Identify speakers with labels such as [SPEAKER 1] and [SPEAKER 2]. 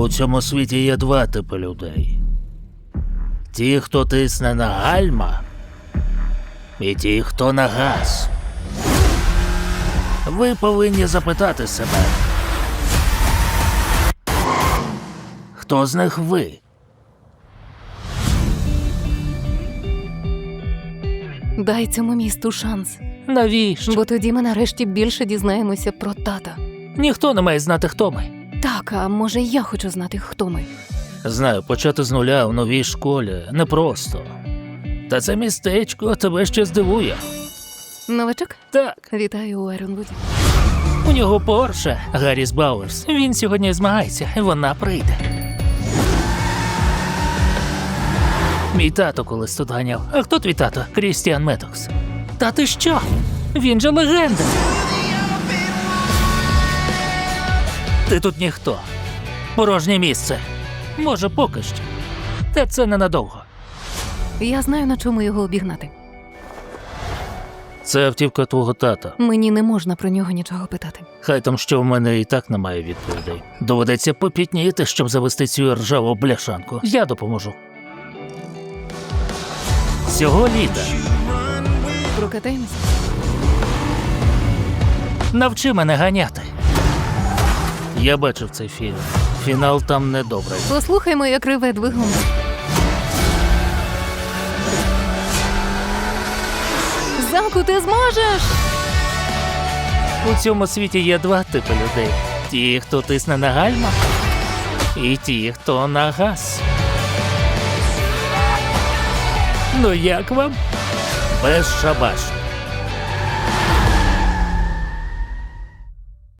[SPEAKER 1] У цьому світі є два типи людей. Ті, хто тисне на гальма, і ті, хто на газ. Ви повинні запитати себе, хто з них ви?
[SPEAKER 2] Дай цьому місту шанс,
[SPEAKER 1] Навіщо?
[SPEAKER 2] бо тоді ми нарешті більше дізнаємося про тата.
[SPEAKER 1] Ніхто не має знати, хто ми.
[SPEAKER 2] Так, а може я хочу знати, хто ми.
[SPEAKER 1] Знаю, почати з нуля в новій школі непросто. Та це містечко тебе ще здивує.
[SPEAKER 2] Новачок?
[SPEAKER 1] Так,
[SPEAKER 2] Вітаю у Айронвуді.
[SPEAKER 1] у нього Порше, Гарріс Бауерс. Він сьогодні змагається, і вона прийде. Мій тато колись тут ганяв. А хто твій тато? Крістіан Медокс. Та ти що? Він же легенда. Ти тут ніхто. Порожнє місце. Може, поки що. Та це ненадовго.
[SPEAKER 2] Я знаю, на чому його обігнати.
[SPEAKER 1] Це автівка твого тата.
[SPEAKER 2] Мені не можна про нього нічого питати.
[SPEAKER 1] Хай там, що в мене і так немає відповідей. Доведеться попітніти, щоб завести цю ржаву бляшанку. Я допоможу. Цього літа
[SPEAKER 2] Прокатаємося?
[SPEAKER 1] навчи мене ганяти. Я бачив цей фільм. Фінал там недобрий.
[SPEAKER 2] Послухаймо, як реве двигун. Заку, ти зможеш!
[SPEAKER 1] У цьому світі є два типи людей. Ті, хто тисне на гальма, і ті, хто на газ. Ну як вам? Безшабашно.